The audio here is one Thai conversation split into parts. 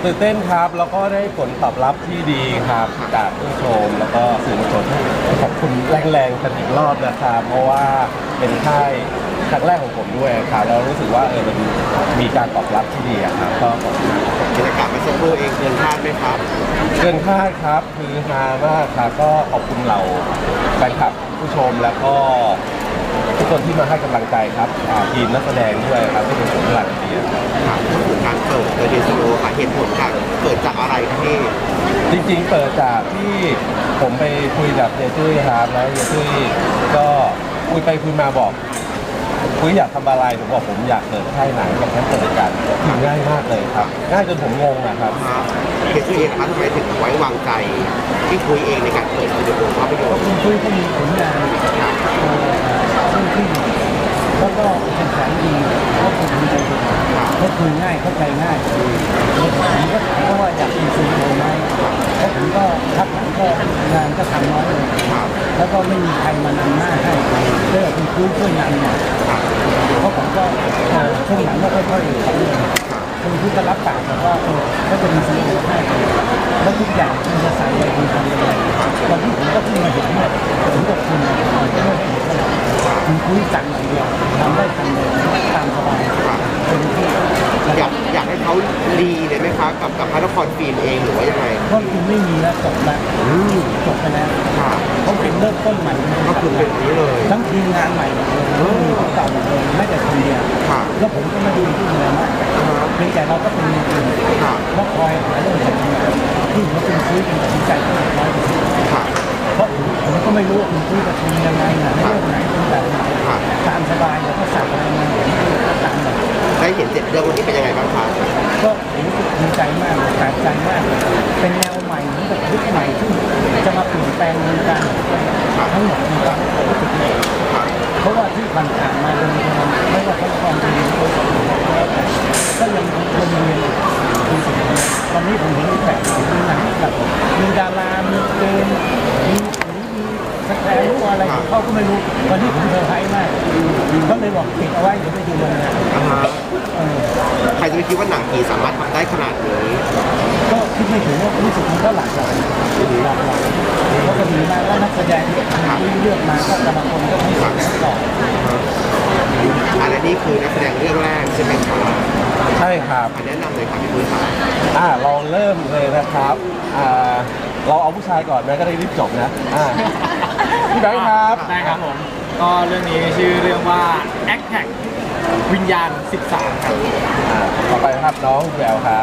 ตื่นเต้นครับแล้วก็ได้ผลตอบรับที่ดีครับจากผู้ชมแล้วก็สื่อมวลชนขอบคุณแรงๆกันอีกรอบนะครับเพราะว่าเป็นค่ายครั้งแรกของผมด้วยครับแล้วรู้สึกว่ามันมีการตอบรับที่ดีครับก็ขอบคุณบรรยากาศเมื่อสักครู่เองเกินคาดไหมครับเกินคาดครับคือฮามากครับก็ขอบคุณเราแฟนคลับผู้ชมแล้วก็ทุกคนที่มาให้กำลังใจครับทีมนักแสดงด้วยครับที่เป็นผลหลักเดียครับครับพูดถึงการเปิดเดโซโลค่ะเหตุผลค่ะเกิดจากอะไรครับพี่จริงๆเปิดจากที่ผมไปคุยกับเยตุ้ยครับแล้วเยตุ้ยก็คุยไปคุยมาบอกคุยอยากทำอะไรผมบอกผมอยากเปิดค่ายหนังกับแค่เปิดกันคือง่ายมากเลยครับง่ายจนผมงงนะครับครับเดโซเองครับทำไมถึงไว้วางใจที่คุยเองในการเปิดสตูดิโอภาพยนตร์คุณคุยก็มีผลงานซึ่งที่แล้วก็เป็นแสนดีก็คือดีใจดีก็คือง่ายเข้าใจง่ายผมก็ถามเขาว่าอยากมีสตูดิโอไหมแล้วผมก็พักหลังก็งานก็ทำน้อยลงแล้วก็ไม่มีใครมานำหน้าให้เรื่องคุณคุยช่วยนำหน่อยเพราะผมก็ช่วงหลังก็ค่อยๆทำคุณคุยก็รับปากบอกว่าก็จะมีสตูดิโอให้แล้วทุกอย่างคุณจะใส่ใจคุณทำยังไงตอนที่ผมก็เพิ่งมาเห็นเนี่ยผมกับคุณไม่ได้เห็นเท่าไหร่คุณคุยสั่งอย่างเดียวทำได้ทันเลยตามสบายเป็นที่อยากให้เขารีเลยไหมคะกับพระนครฟิล์มเองหรือว่ายังไงเพราะคุณไม่มีแล้วจบแล้วจบไปแล้วค่ะเขาเป็นเริ่มต้นใหม่ก็คือเป็นอย่างนี้เลยทั้งทีมงานใหม่หมดเลยไม่มีคนเก่าหมดเลยไม่แต่คนเดียวค่ะแล้วผมก็มาดูที่เมืองนะเพียงแต่เราก็เป็นมือปืนค่ะแล้วคอยหาเรื่องแบบนี้ที่ผมเป็นคุยเป็นตัดสินใจที่ร้อยเปอร์เซ็นต์ค่ะเพราะผมก็ไม่รู้ว่าคุณคุยจะทำยังไงนะเรื่องไหนเป็นแบบไหนตามสบายแล้วก็สั่งอะไรมาก็ตามแบบได้เห็นเจ็ดเรื่องวันนี้เป็นยังไงบ้างคะก็ผมรู้สึกดีใจมากเลยแปลกใจมากเลยเป็นแนวใหม่เหมือนกับยุคใหม่ที่จะมาเปลี่ยนแปลงวงการทั้งหมดในความรู้สึกนี้เพราะว่าที่ผ่านๆมาเป็นไม่ว่าทั้งความดีหรือก็ยังวนเวียนอยู่สิ่งนี้ตอนนี้ผมเห็นแปลกมีหนังแบบมีดารามีเกมมีสแตนรู้อะไรเขาก็ไม่รู้วันนี้ผมเซอร์ไพรส์มากก็เลยบอกปิดเอาไว้เดี๋ยวไปดูวันงานใครจะไปคิดว่าหนังผีสามารถทำได้ขนาดนี้ก็คิดไม่ถึงว่ารู้สึกมันก็หลากหลายแล้วก็ดีมากแล้วนักแสดงที่เลือกมาก็แต่ละคนก็ไม่เหมือนกันอันนี้คือนักแสดงเรื่องแรกใช่ไหมคะใช่ครับแนะนำเลยค่ะพี่ปุ้ยค่ะลองเริ่มเลยนะครับเราเอาผู้ชายก่อนไหมก็ได้รีบจบนะพี่แบงค์ครับได้ครับผม ก็เรื่องนี้ชื่อเรื่องว่า a c t a c วิญญาณ 13 ครับต่อไปนะครับน้องแววครับ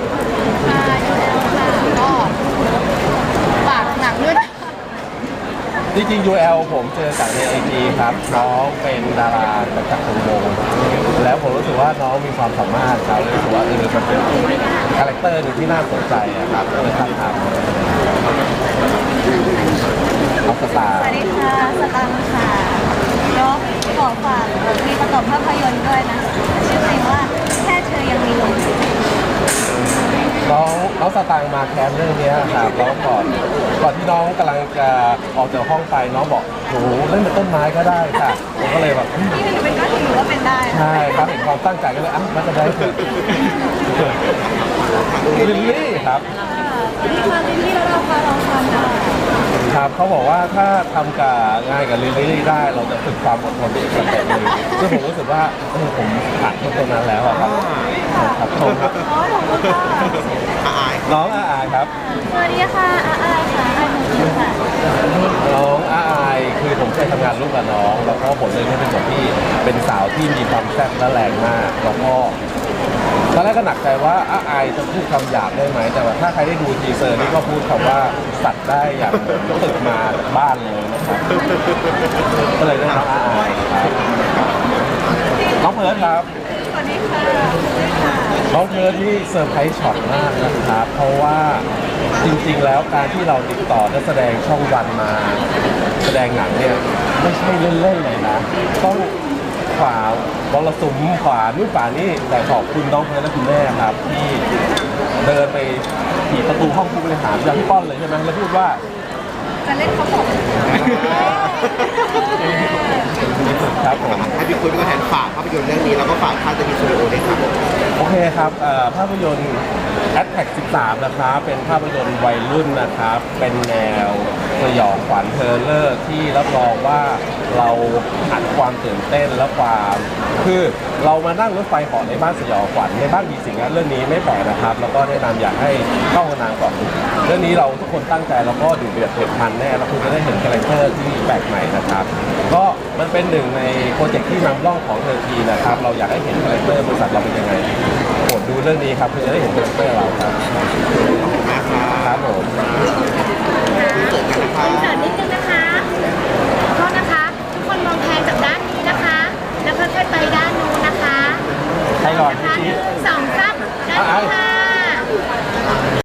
ก็ฝากหนังด้วยนะจริงๆ UL ผมเจอจากในไอจีครับน้องเป็นดาราจากวงวงแล้วผมรู้สึกว่าน้องมีความสามารถครับรู้สึกว่ามันเป็นคาแรคเตอร์หนึ่งที่น่าสนใจครับก็เลยทักถามเอาสตาสร์วัสดีค่ะ สตังค์ค่ะก็ขอฝากมีประกอบภาพยนตร์ด้วยนะชื่อเพลงว่าแค่เธอยังมีลมน้องสตางค์มาแคสเรื่องนี้ครับแล้วก่อนที่น้องกำลังจะออกจากห้องไปน้องบอกหนูเล่นเป็นต้นไม้ก็ได้ค่ะผมก็เลยแบบที่หนูเป็นก็ถือว่าเป็นได้นะใช่ครับเห็นความตั้งใจก็เลยมันจะได้คือลิลลี่ครับนี่ค่ะลิลลี่แล้วเราพาลองทำได้ครับเขาบอกว่าถ้าทำกับงานกับลิลลี่ได้เราจะฝึกความอดทนอีกสเต็ปหนึ่งซึ่งผมรู้สึกว่าผมผ่านตรงนั้นแล้วอะครับครับชมครับอ๋อขอบคุณค่ะอายน้องอาอายครับสวัสดีค่ะอาอายค่ะอายหนูค่ะน้องอาอายคือผมเคยทำงานร่วมกับน้องแล้วก็บทเรื่องนี้เป็นบทที่เป็นสาวที่มีความแซ่บและแรงมากแล้วก็ตอนแรกก็หนักใจว่าอาอายจะพูดคำหยาบได้ไหมแต่ว่าถ้าใครได้ดูทีเซอร์นี่ก็พูดคำว่าสัตว์ได้อย่างตึกมาจากบ้านเลยนะครับก็เลยได้น้องอาอายครับน้องเพิร์ดครับสวัสดีค่ะน้องเพิร์ดที่เซอร์ไพรส์ช็อตมากนะครับ เพราะว่าจริงๆแล้วการที่เราติดต่อนักแสดงช่องวันมาแสดงหนังเนี่ยไม่ใช่เล่นๆเลยนะต้องฝ่ามรสุมฝ่านู่นฝ่านี่แต่ขอบคุณน้องเพิร์ดและคุณแม่ครับที่เดินไปถีบประตูห้องผู้บริหารอย่างพี่ป้อนเลยใช่ไหมแล้วพูดว่าจะเล่นเขาบอกนที่สุดครับผมให้พี่คุยเป็นตัวแทนฝากภาพยนตร์เรื่องนี้แล้วก็ฝากค่ายจะมีสตูดิโอด้วยครับโอเคครับภาพยนตร์ Attack 13 นะครับ เป็นภาพยนตร์วัยรุ่นนะครับ เป็นแนวสยองขวัญเทอร์เลอร์ที่รับรองว่าเราอัดความตื่นเต้นและความคือเรามานั่งรถไฟเหาะในบ้านสยองขวัญในบ้านมีสิ่งนั้นเรื่องนี้ไม่แปลกนะครับ แล้วก็แนะนำอยากให้เข้ากันนางก่อนเรื่องนี้เราทุกคนตั้งใจแล้วก็ดูเดือดเผ็ดมันแน่แล้วคุณจะได้เห็นคาแรคเตอร์ที่แปลกใหม่นะครับ ก็มันเป็นหนึ่งในโปรเจกต์ที่นำร่องของเทอร์ทีนะครับ เราอยากให้เห็นคาแรคเตอร์บริษัทเราเป็นยังไงโปรดดูเรื่องนี้ครับคุณจะได้เห็นคาแรคเตอร์เราครับขอบคุณมากครับครับผม